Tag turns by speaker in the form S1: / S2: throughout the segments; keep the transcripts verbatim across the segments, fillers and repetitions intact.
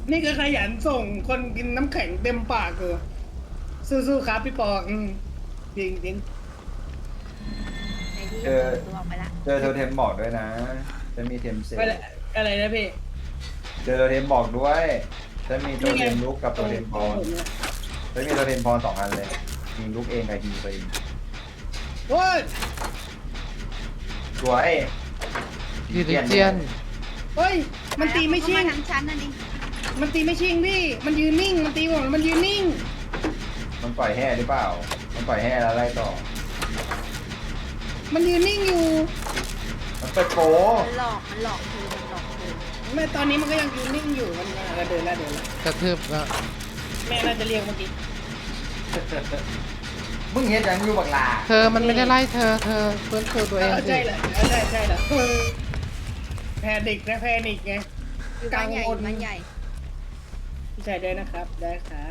S1: นี่คือขยันส่งคนกินน้ำแข็งเต็มปากเลยสู้ๆครับพี่ปออืมจริงจริง
S2: ไอ้ที่
S3: เจอ
S2: ตัวออกไปละ
S3: เจอโทเทมบอกด้วยนะ จะมีเทมเซล
S1: ไปเลยอะไรนะพี่
S3: เจอโทเทมบอกด้วย จะมีโทเทมลุกกับโทเทมพรจะมีโทเทมพรสองอันเลย มีลุกเองกับฮีไปเอง
S1: โอ้ย
S3: สวย
S4: ดิลิเจียน
S1: เฮ้ยมันตีไม่ชิง
S2: เข้าาทางชั้นนั่นดิ
S1: มันตีไม่ชิงพี่มันยืนนิ่งมันตีผมมันยืนนิ่ง
S3: มันปล่อยแห่หรือเปล่า มันปล่อยแห่แล้วไล่ต่อ
S1: มันยืนนิ่งอยู่
S3: มันเปิดโป
S2: มันหลอกมันหลอกเธอมันหลอกเธอ
S1: แม่ตอนนี้มันก็ยังยืนนิ่งอยู่มันมาเดินแล้วเดินแล้ว
S4: กระทืบแล้ว
S1: แม่น่าจะเรียกเมื่อกี้
S3: มึงเห็นยังอยู่บักลา
S4: เธอมันไม่ได้ไล่เธอ เธอเพื่อนคือตัวเอง
S1: เออ
S4: สิ
S1: ใช่แหละเออใช่ใช่แหละแพนิกนะแพนิกไง
S2: อยู่บ้านใหญ่อยู่บ้านใหญ่
S1: พี่ชายได้นะครับได้ครับ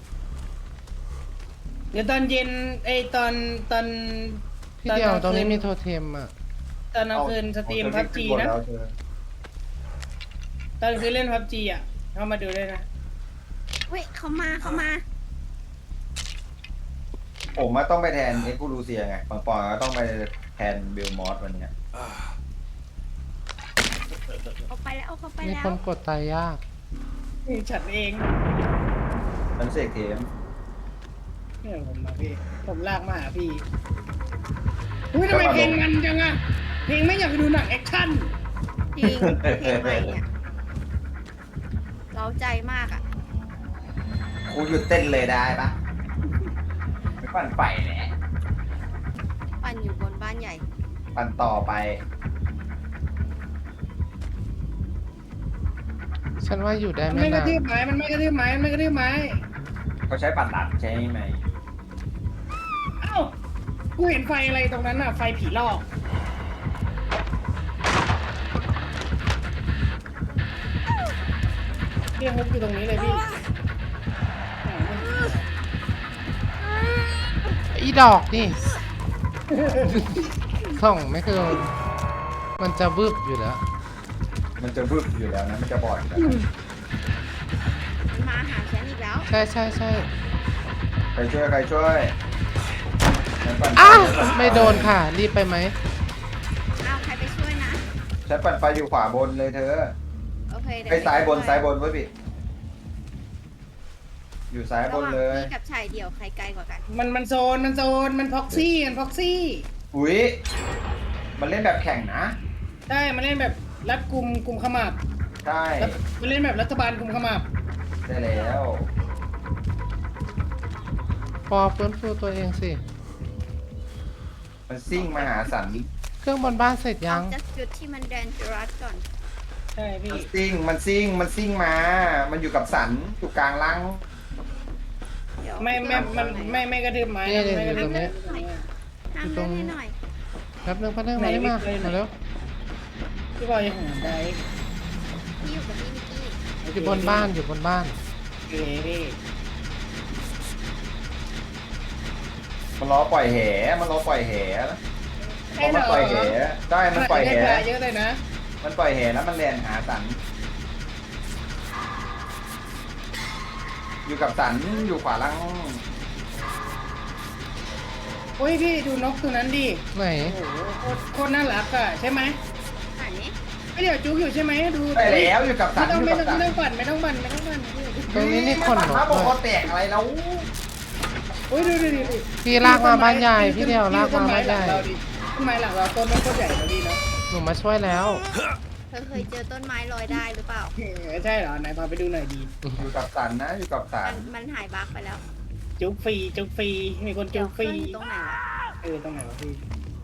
S1: เดี๋ยวตอนเย็นไอยตอนตอน
S4: พี่เดียวตรงนี้มีโทเทมอ่ะ
S1: ตอนกลางคืนสตรีมพับจีนะ ตอนคืนเล่นพับจีอ่ะเข้ามาดูด้วยนะ
S2: เฮ้ยเขามาเขามา
S3: ผมมาต้องไปแทนเอ็กซ์คูลูเซียไงบางปอนก็ต้องไปแทนเบลมอสวันเนี้ย
S2: เอาไปแล้วเอาเขาไป
S4: มี
S2: แล้
S4: คว นกดตายยาก
S1: นี่ฉันเอง
S3: มันเสกเทม
S1: เนี่ยผมมาพี่ผมลากมาหาพี่อุ้ยทำไมเพลงมันจังอะเพลงไม่อยากไปดูหนังแอคชั่น
S2: จริงเพลงใหม่เนี่ยเร้าใจมากอ่ะ
S3: ครูหยุดเต้นเลยได้ปะไม่ปั่นไปแหละ
S2: ปั่นอยู่บนบ้านใหญ่
S3: ปั่นต่อไป
S4: ฉันว่าอยู่ได้
S1: มัน
S4: ไม่
S1: ไม่กระ
S4: นาน
S1: ทืบไม้มันไม่กระทืบไม้มันไม่กระทืบไม้
S3: เขาใช้ปั่นดัดใช่ไหม
S1: เอ้ากูเห็นไฟอะไรตรงนั้นอะไฟผีหลอกเรียกฮุกอยู่ตรงนี้เลยพี่
S4: อีดอกนี่ ส่องไม่คือมันจะบึบอยู่แล้ว
S3: มันจะบึ้บอยู่แล้วนะ มันจะบอดอยู่แล้วนะ
S2: มันมาหาฉันอีกแล้ว
S4: ใช่ใช่ใช่
S3: ใครช่วยใครช่วยฉันปั่น
S4: อ้าว
S3: ฉันปั่น
S4: ไม่โดนค่ะ รีบไปไหม
S2: อ้าวใครไปช่วยนะ
S3: ฉันปั่นไฟอยู่ขวาบนเลยเธอ
S2: โอเคเดี๋ว
S3: ไอ้ซ้ายบน
S2: ไปช่ว
S3: ซ้ายบนเว้ยพี่อยู่ซ้ายบนเลย
S2: ระหว่างพี่กับชายเดี่ยวใครไกลกว่ากัน
S1: มันมันโซนมันโซนมันพ็อกซี่มันพ็อกซี่
S3: อุ้ยมันเล่นแบบแข่งนะ
S1: ใช่มันเล่นแบบรัดกลุ่มกลุ่มขมับ
S3: ใช่
S1: แล้วมันเล่นแบบรัฐบาลกลุ่มขมับ
S3: ได้แล้ว
S4: ปอฟื้นฟูตัวเองสิ
S3: มันซิ่งมหาสัน
S4: เครื่องบนบ้านเสร็จยัง
S2: เอาจากจุดที่มันแดนจรัสก่อน
S1: ใช่พี่
S3: มันซิ่งมันซิ่งมันซิ่งมา มันอยู่กับสันอยู่กลางลัง
S2: เดี๋ยว
S1: ไม่ไม่มันไม่ไม่กระทืบไม้
S4: เนี่ย
S1: นะไม่กระทืบ
S4: อยู่ตรงนี้
S1: ไม้
S2: ห้ามเล่นให้หน่อย
S4: แป๊บนึงแป๊บนึงมาได้มามาแล้ว
S1: พี่บอยยังหาได้
S2: พี่อยู่กับพี่นิกกี้
S4: อยู่บนบ้านอยู่บนบ้าน
S1: โอเคพี่
S3: มันล้อปล่อยแหมันล้อปล่อยแหนะเพ
S1: ให้
S3: ราะ
S1: เหร
S3: มัน
S1: อ
S3: ปล่อยแหได้มันปล่อยแห
S1: ได้ปลาเยอะเลยนะ
S3: มันปล่อยแหแล้วมันแลนหาสัน อยู่กับสันอยู่ขวาล่าง
S1: โอ้ยพี่ดูนกตัวนั้นดิ
S4: ไหน
S1: โอ้โหโคตรโคตรน่ารักอ่ะใช่ไหม
S2: ไหน
S1: ไม่เดี๋ยวจุกอยู่ใช่ไหมดู
S3: ได้แล้วอยู่กับสั
S1: ไม่
S3: น
S1: ต้อง
S3: อยู่
S1: ไม่
S3: กับ
S1: ต้อง
S3: สัน
S1: ไม่ต้องปั่นไม่ต้องปั่นไม่ต้องปั่นไม่ต้องปั่น
S4: ตรงนี้นี่คน
S3: มั
S4: เหร
S3: มา
S4: อ
S3: บอกว่าแตกอะไรแล้ว
S1: โอ้ยดูดูดูดู
S4: พี่ลากมาบ้านใหญ่พี่เดียวลากมาบ้านใหญ่
S1: ต้นไม้หลังเราต้นมันต้นใหญ่แล้วดีเนาะ
S4: หนูมาช่วยแล้ว
S2: เธอเคยเจอต้นไม้ลอยได้หรือเปล่า
S1: เออใช่เหรอไหนพาไปดูหน่อยดี
S3: อยู่กับสันนะ อยู่กับสั
S2: มัน นมันหายบั๊กไปแล้ว
S1: จุกฟรีจุกฟรีมีคนจุกฟรี
S2: เดี๋ยวเครื่องอยู่ตรงไหนวะ
S1: เออตรงไหนวะพี่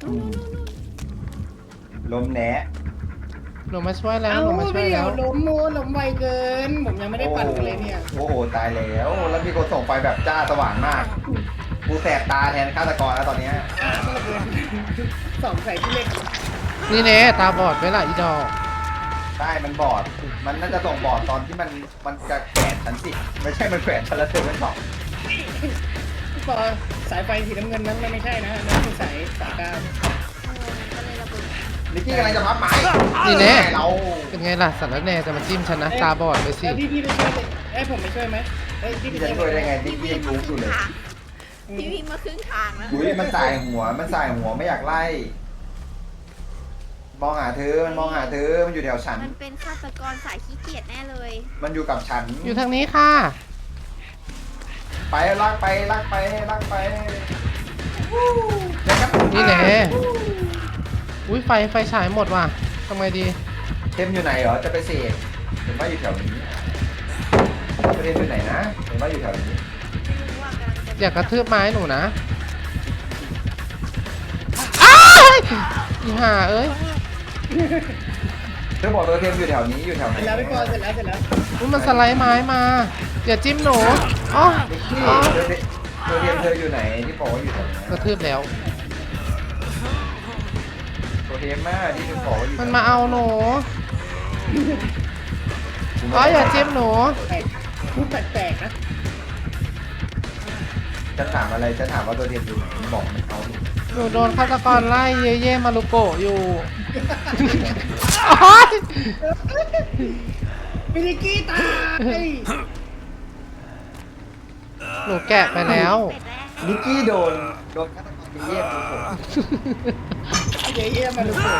S3: ลมแหน
S4: หนูมาช่วยแล้ว
S1: เอ้า
S4: หนูมาช่วย
S1: พี่เดี๋
S4: แล้
S1: ยว
S4: ว
S1: ล้มโมล้มไวเกิน ผมยังไม่ได้ปั่นกันเลยเนี่ย
S3: โอ้โหตายแล้ว แล้วมีคนส่งไปแบบจ้าสว่างมาก กูแสบตาแทนฆาตกรแล้วตอนเนี้ย
S1: อ่ะสองใส่ที่เล็ก
S4: นี่เน่ตาบอดไว้ล่ะอีดอก
S3: ได้มันบอด มันน่าจะส่งบอดตอนที่มันมันจะแขวนชั้นสิไม่ใช่มันแขวนชั้นละเซอร์มันสอง
S1: พี่ปอสายไฟสีน้ำเงินนั้นมันไม่ใช่นะนั่นคือสายสายกลาง
S2: เออมันก็เลยระเบิด
S3: นิกกี้กำลังจะพับไม้
S4: นี่แน่
S3: เรา
S4: เป็นไงล่ะสัตว์แล้วแน่จะมาจิ้มฉันนะตาบอดไปสิ
S1: แล้วพี่พี่ไปช่วยเลยเอ้ยผมไปช่วยไหมเฮ้ยพี่ไป
S3: พี่จะ
S1: ช่วย
S3: ช่วยได้ไงนิ
S2: พี่
S3: กกี้
S2: วิ่ง
S3: ยัง
S2: มา
S3: รู้
S2: ค
S3: อยู่
S2: รึ่ง
S3: เลย
S2: ทางพี่วิ่งมาครึ่งทางแล้ว
S3: อุ้ยมันสายหัวมันสายหัวไม่อยากไล่ มองหาเธอมันมองหาเธอมันอยู่แถวฉัน
S2: มันเป็นฆาตกรสายขี้เกียจแน่เลย
S3: มันอยู่กับฉัน
S4: อยู่ทางนี้ค่ะ
S3: ไปลากไปลากไปลากไปเดี๋ยวครับ
S4: นี่แน่อุ้ยไฟไฟฉายหมดว่ะทำไงดี
S3: เทมอยู่ไหนเหรอจะไปเสกเห็นว่าอยู่แถวนี้เทมอยู่ไหนนะเห็นว่าอยู่แถวนี้
S2: ไม่รู้ว่ากำลังจะ
S4: อยากกระทืบไม้หนูนะอ้ายอีห่าเอ้ย
S3: เธอบอกตัวเทมอยู่แถวนี้อยู่แถวไหน
S1: เสร็จแล้วพี่ปอเสร็จแล้วเสร็จแล้ว
S4: อุ้ยมันสไลด์ไม้มาอย่าจิ้มหนูอ๋อ
S3: นิกกี้
S4: อ๋อ
S3: ตัวเทมตัวเทมเธออยู่ไหนที่บอกว่าอยู่แถวไหน
S4: กระทืบแล้ว
S3: ตัวเทมมากที่เธอบอกว่าอยู่
S4: มันมาเอาหนูอ๋ออย่าจิ้มหนู
S1: แปลกพูดแปลกๆนะ
S3: ฉันถามอะไรฉันถามว่าตัวเทมอยู่ไหนบอกมันเอาดิ
S4: หนูโดนฆาตกรไล่เย่เย่มารุโกะอยู่โอ๊ย
S1: มินิกี้ตาย
S4: หนูแกะไปแล้ว
S2: เป็ดแล้ว
S3: นิกกี้โดนโดนฆาตกรเยี่ยมผม
S1: เยี่ยเยี่ยมาดูเถอะ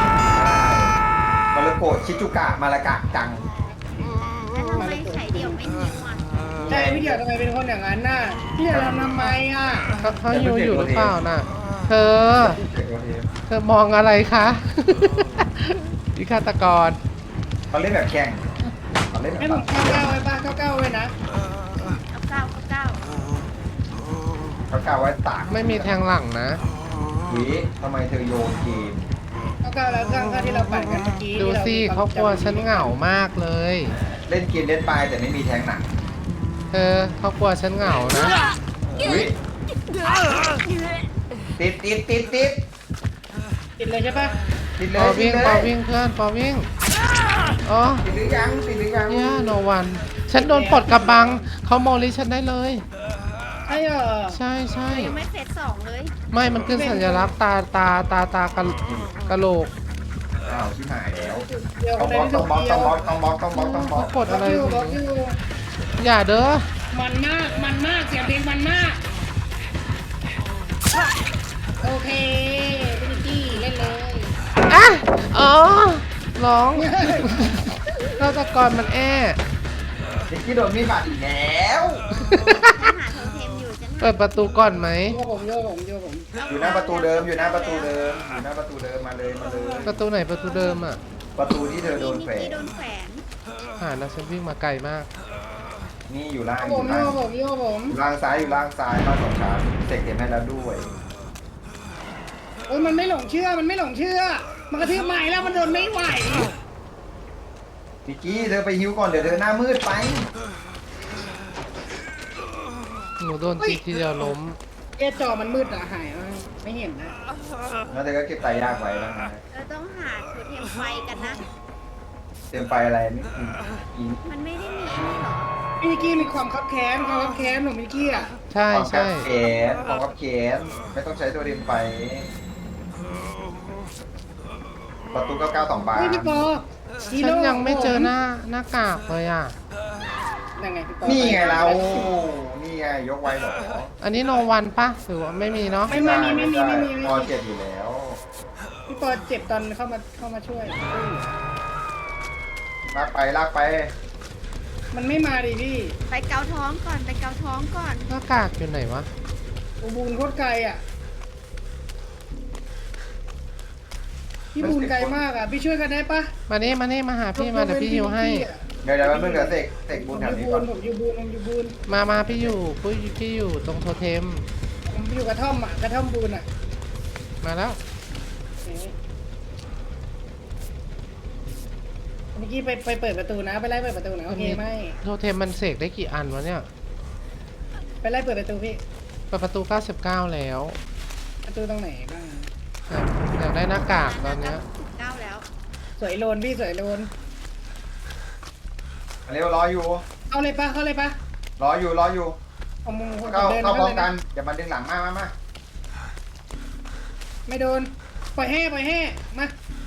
S3: มาลโกะชิจุกะมาละกะจัง
S2: แล้วทำไมไข่เดี่ยวไม่หิวอ่ะ
S1: ใช่พี่เดียวทำไมเป็นคนอย่างนั้นน่ะพี่เดียวทำทำไมอ่ะ
S4: เขาเขาอยู่อยู่หรือเปล่าน่ะ เธอ
S3: เด็กตัวเทม
S4: เธอมองอะไรคะวิฆาตกร
S3: เขาเล่นแบบแข่งเขาเล่นแบ
S1: ให้
S3: บ
S1: ผมเข้าเก้าไว้ป่ะเข้าเก้าไว้นะ
S2: เอาเก้าเอาเก้า
S3: เขากล่าวไว้ตาก
S4: ไม่มีแทงหลังนะ
S3: วิทำไมเธอโยนเกม
S1: เข้าเก้าแล้วข้างข้างที่เราปั่นกันเมื่อกี้
S4: ดูสิเขากลัวฉันเหงามากเลย
S3: เล่นเกมเล่นไปแต่ไม่มีแทงหนัก
S4: เธอเขากลัวฉันเหงานะ
S3: วิติดติดติดติด
S1: ติดเลยใช่ป่ะ
S3: ติดเล
S4: ปอย
S3: ติ
S4: วิ่
S3: ด
S4: ง
S3: เล
S4: ปอย วิ่งเพื่อนปอวิ่งอ๋อ
S3: ติดหรือยังติดหรือยัง
S4: เนี่ยโนวันฉันโดนปลดกระบังเขาโมลิฉันได้เลย
S1: ใช่เหรอ
S4: ใช่ใช่
S2: ยังไม่เฟสสองเลย
S4: ไม่มันขึ้นสัญลักษณ์ตาตาตาตากะกะโหลก
S3: อ้าวชิบหายแล้ว
S1: เดียว
S3: ต้อง
S1: ได้
S3: บล็อก
S1: ไม่
S3: ต้
S1: ถู
S3: อง
S1: ก
S3: บล็อก
S1: เดี
S3: ต้
S1: ย
S3: อง
S1: ว
S3: บล็อกต้องบล็อกต้องบล็อกต้องบล็อก
S4: กด
S1: บล็
S4: อะ
S1: อก
S4: ไร
S1: อยู่
S4: ข
S1: บ
S4: อ
S1: ล็อง กอยู่
S4: อย่าเด้อ
S1: มันมากมันมากเสียงเพลงมันมากโอเคมินิกี้เล่นเลย
S4: อ่ะอ๋อร้องฆาตกรมันแอ้
S3: นิกกี้โดนมีดบาดอีกแล้ว
S2: ฉันหาโทเทมอยู่ฉันหา
S4: เปิดประตูก่อนไหม
S1: โยกผมโยกผมโยกผม
S3: อยู่หน้าประตูเดิมอยู่หน้าประตูเดิมอยู่หน้าประตูเดิมมาเลยมาเลย
S4: ประตูไหนประตูเดิมอ่ะ
S3: ประตูที่เธอโดน
S2: นิก
S3: แฝง
S2: กี้โดนแขวน
S4: หาแล้วฉันวิ่งมาไกลมาก
S3: นี่อยู่ล่างอ
S1: ผ
S3: ยู่
S1: มโย
S3: ล่าง
S1: กผมโยกผม
S3: อยู่ล่างซ้ายอยู่ล่างซ้ายมาสองชั้นเสกเต็มให้แล้วด้วย
S1: โอ้ยมันไม่หลงเชื่อมันไม่หลงเชื่อ มันกระทืบใหม่แล้วมันโดนไม่ไหว
S3: นิกกี้เธอไปฮิวก่อนเดี๋ยวเธอหน้ามืดไป
S4: หนูโดนจีทีเดียวล้ม
S1: เอะจอมันมืดอะหายอะไม่เห็นนะ
S3: แล้วเธอก็เก็บไตายากไว้แล้วนะ
S2: เราต้องหาโทเทมไฟกันนะ
S3: เตรียมไฟอะไรนี่อี
S2: มันไม่ได้มีอันนี้หรอ
S1: มินิกี้มีความคับแค้นความคับแค้นของมินิกี้อะ
S4: ใช่
S3: ของกั
S4: ใช่
S3: บแขนของกับแขนไม่ต้องใช้ตัวเตรียมไฟประตูเก้าเก้าสองบาน
S1: เฮ้ยพี่ปอฮี
S4: ฉัน
S1: โร่
S4: ยังไม่เจอหน้าหน้ากากเลยอ่ะ
S1: ยังไงพี่ปอ
S3: นี่ไงเรานี่ไงยกไว้เหรอ
S4: อันนี้โนวันปะหรือว่าไม่มีเนาะ
S1: ไม่ไม่มีไม่มีไม่มี
S3: พอเจ็บอยู่แล้ว
S1: พี่ปอเจ็บตอนเข้ามาเข้ามาช่วย
S3: ลากไปลากไป
S1: มันไม่มาดิพี่
S2: ไปเกาท้องก่อนไปเกาท้องก่อน
S4: หน้ากากอยู่ไหนวะ
S1: อูบูนโคตรไกลอ่ะพี่บูนไกลมากอ่ะพี่ช่วยกันได้ปะ
S4: มานี่มานี่มาหาพี่มาเดี๋ยวพี่ฮิวให้
S3: เดี๋ยวเดี๋ยวมันเพิ่งเดี๋ยวเสกเสก
S1: ผ
S3: บุญ
S1: ม
S3: แถ
S1: อ
S3: ว
S1: ยู่
S3: นี้
S1: บู
S3: ก่อน
S1: นผมอยู่บูนผมอยู่บูน
S4: มามาพี่อยู่พี่พี่อยู่ตรงโทเทม
S1: ผมอยู่กระท่อมอ่ะกระท่อมบูนอ่ะ
S4: มาแล้ว
S1: เมื่อกี้ไปไปเปิดประตูนะไปไล่เปิดประตูนะโอเคไหม
S4: โทเทมมันเสกได้กี่อันวะเนี่ย
S1: ไปไล่เปิดประตูพี่
S4: เปิดประตูเก้าสิบเก้าแล้ว
S1: ประตูตรงไหนบ้าง
S4: อยากอยากได้หน้ากากตอนเนี้ย
S2: เก้าแล้ว
S1: สวยโลนพี่สวยโลน
S3: เร็วรออยู่
S1: เอาเลยปะเข้าเลยปะ
S3: รออยู่รออยู่
S1: เอามุมคน
S3: เข้า
S1: เดิน
S3: เข้าพร้อม
S1: เลย
S3: กั
S1: นะ
S3: นอย่ามาดึงหลังมามามา
S1: ไม่โดนปล่อยแห่ปล่อยแห่มา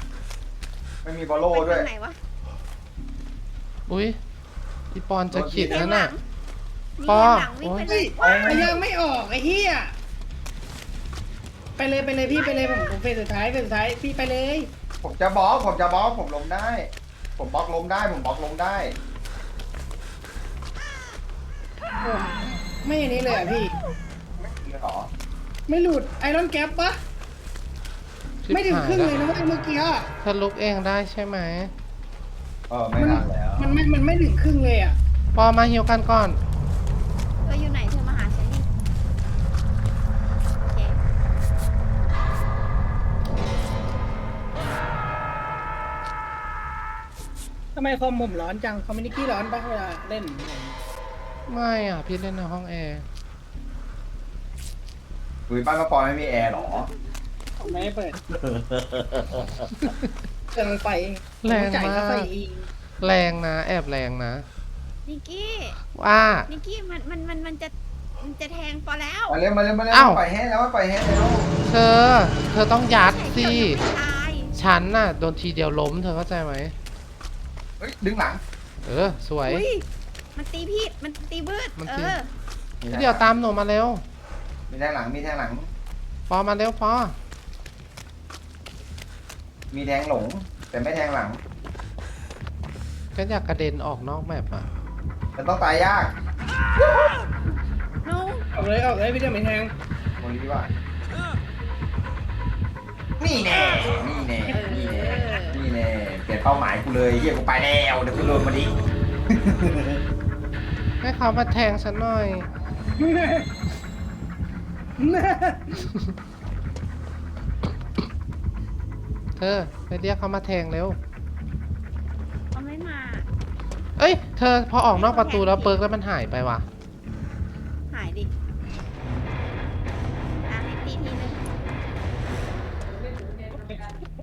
S3: ไม่มีบอลโล่
S2: ไป
S3: ด้วย
S2: ทางไหนวะ
S4: อุ้ยพี่ปอนจะขิด
S2: มี
S4: นั่น
S2: หลั
S4: น่ะ
S2: งมี
S4: ปอ
S2: หลังวิ่งไปเล
S1: เฮ้ย
S2: ย
S1: มันยังไม่ออกไอ้เหี้ยไปเลยไปเลยพี่ไปเลยผมผมเฟสสุดท้ายเฟสสุดท้ายพี่ไปเลย
S3: ผมจะบล็อกผมจะบล็อกผมล้มได้ ผมบล็อกล้มได้ผมบล็อกล้มได้
S1: ผมไม่อันนี้เลยอ่ะพี่
S3: ไม่หรอ
S1: ไม่หลุดไอรอนแก๊ปปะ
S4: ชิบ
S1: ไม่ถึง
S4: หาย
S1: ครึ่ง
S4: แล้
S1: เล
S4: วย
S1: นะเว้ยเมื่อกี้อะ
S4: เธอลุกเองได้ใช่ไหม
S3: เออไม่ทันแล้ว
S1: มันไม่มันไม่ถึงครึ่งเลยอ่ะ
S4: ปอมาฮิวกันก่อน
S2: เธออยู่ไหนเธอมาหาฉันดิโอเค
S1: ทำไมคอมผมร้อนจังคอมมินิกี้ร้อนปะเวลาเล่น
S4: ไม่อ่ะ พี่เล่นในห้องแอร์
S3: คุยบ้านกระปอยไม่มีแอร์หรอ
S1: ผมไม่ให้เปิดเครื่องไฟเอง
S4: แรง
S1: จ่าย
S4: มา
S1: ค่าไฟ
S4: ก
S1: เอง
S4: แรงนะ แอบแรงนะ
S2: นิกกี้
S4: ว่า
S2: นิกกี้มันมันมันมันจะมันจะแทงปอแล้ว
S3: มาเร็วมาเร็วมาเร็ว
S4: อ้าว
S3: ปล่อยแห้งแล้วปล่อยแห้งแล้ว
S4: เธอ เธอต้องยัดสิ
S2: เดี๋ยวยังไม่ตาย
S4: ฉันน่ะโดนทีเดียวล้มเธอเข้าใจไหม
S3: เฮ้ยดึงหลัง
S4: เออ สวย
S2: อุ้ยมันตีพี่มันตีบืด
S4: มัน
S2: เอ
S4: ตี
S2: อ
S4: พี่เดี๋ยวตามหนูมาเร็ว
S3: มีแทงหลังมีแทงหลัง
S4: ปอมาเร็วปอ
S3: มีแทงหลง แต่ไม่แทงหลัง
S4: ก็อยากกระเด็นออกนอกแมปอ่ะ
S3: มันต้องตายยาก
S2: น้อง
S1: ออกเลยออกเลยพี่เดียวไม่แทง
S3: โมลีว่านี่แน่ นี่แน่ นี่แน่ นี่แน่ เปลี่ยนเป้าหมายกูเลยเฮียกูไปแล้วเดี๋ยวกูโดนมาดิ
S4: ให้เขามาแทงฉันหน่อย เธอไปเรียกเขามาแทงเร็ว
S2: เขาไม่มา
S4: เอ้ย เธอพอออกนอกประตูแล้วเปิร์กแล้วมันหายไปว่ะ
S2: หายดิ